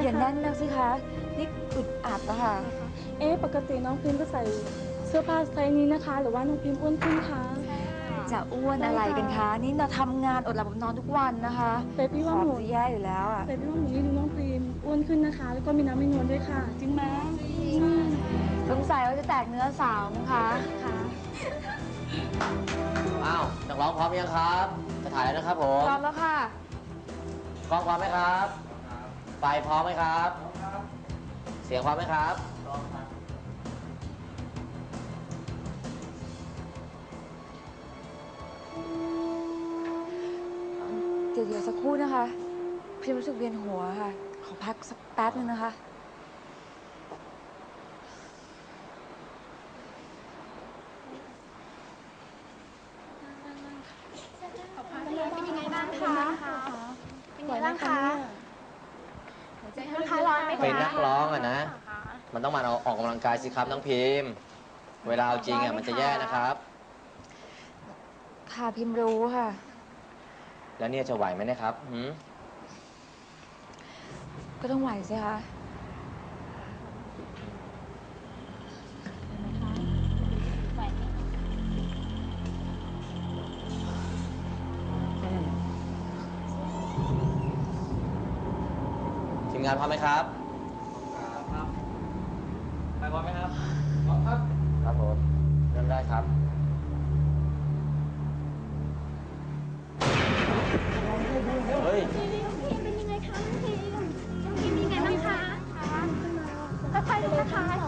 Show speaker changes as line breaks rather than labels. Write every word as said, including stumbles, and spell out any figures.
อย่าแน่นนักสิคะนี่อึดอัดอะค่ะ
เอ๊ะปกติน้องพิมก็ใส่เสื้อผ้าไซส์นี้นะคะหรือว่าน้องพิมอ้วนขึ้นคะ
จะอ้วนอะไรกันคะนี่เราทำงานอดหลับอดนอนทุกวันนะคะ
แต่พี่ว่าหนู
จะแย่อยู่แล้วอะ
แต่พี่ว่าหนูนี่ดูน้องพิมอ้วนขึ้นนะคะแล้วก็มีน้ำมีนวลด้วยค่ะจริงไหม
สงสัยว่าจะแตกเนื้อสาวมั้งคะค่ะ
อ้าวนักร้องพร้อมยังครับจะถ่ายแล้วนะครับผม
พร้อมแล้วค่ะ
กล้องพร้อมไหมครับไฟพร้อมไหมครับเสียงพร้อมไหมครับพร้อมครับ
เดี๋ยวเดี๋ยวสักครู่นะคะพี่รู้สึกเวียนหัวค่ะขอพักสักแป๊บนึงนะคะ
เป็นยังไงบ้างคะเป็นยังไงบ้างคะนะคะร้อนไหมคะ
เป็นนักร้องอะนะมันต้องมาออกกำลังกายสิครับน้องพิมพ์เวลาเอาจริงอะมันจะแย่นะครับ
ค่ะพิมรู้ค่ะ
แล้วเนี่ยจะไหวไหมนะครับหืม
ก็ต้องไหวสิคะ
ทีมงานพร้อมไหมครับครับไปพร้อมไหมครับพร้อมครับครับผมเริ่มได้ครับเฮ้ย
น้องพิมเป็นยังไงคะน้องพิมน้องพิมเป็นยังไงบ้างคะค่อยๆดูนะคะ